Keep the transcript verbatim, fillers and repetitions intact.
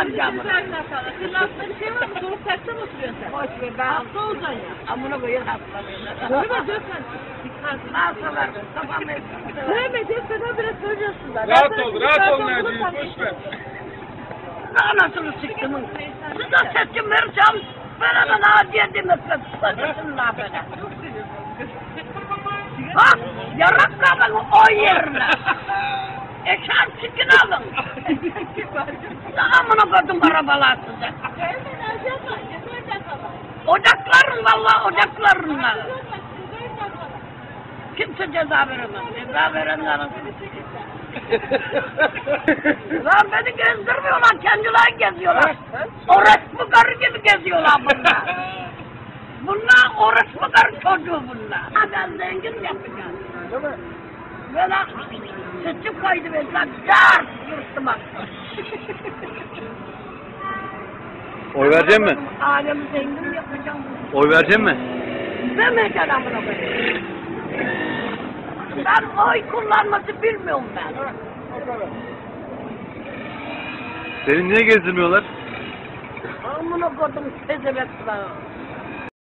amcamı. Senin aklında bir şey var mı? Soğuk takta mı oturuyorsun sen? Boş ver ben. Hasta olacaksın ya. Amına koyun hastalarına. Dövme dövme. Nasıllar? Kafam etsin. Dövme dövme biraz söylüyorsun da. Rahat ol, rahat ol Naciye, boş ver. Anasını siktimin. Size seçim vereceğim. Bana da Naciye demezler. Sıkıntısın la bana. Bak yaraklarını o yerine. Eşan çıkın alın. Amına koydum arabalar size. Ocakların valla ocaklarınla. Kimse ceza veremez. Ceza verenlerin. Lan beni gezdirmiyorlar, kendileri geziyorlar. Orospu karı gibi geziyorlar bunlar. Bunlar orospu karı çocuğu bunlar. Ha ben zengin yapacağım. Değil mi? Böyle sütü koydu mesela, dar yırttım aslında. Oy verecek mi? Alemi zengin yapacağım. Oy verecek mi? Demeyeceğim amına koyayım. Ben oy kullanması bilmiyorum ben. O kadar. Seni niye gezdirmiyorlar? Amına koydum tezebekler.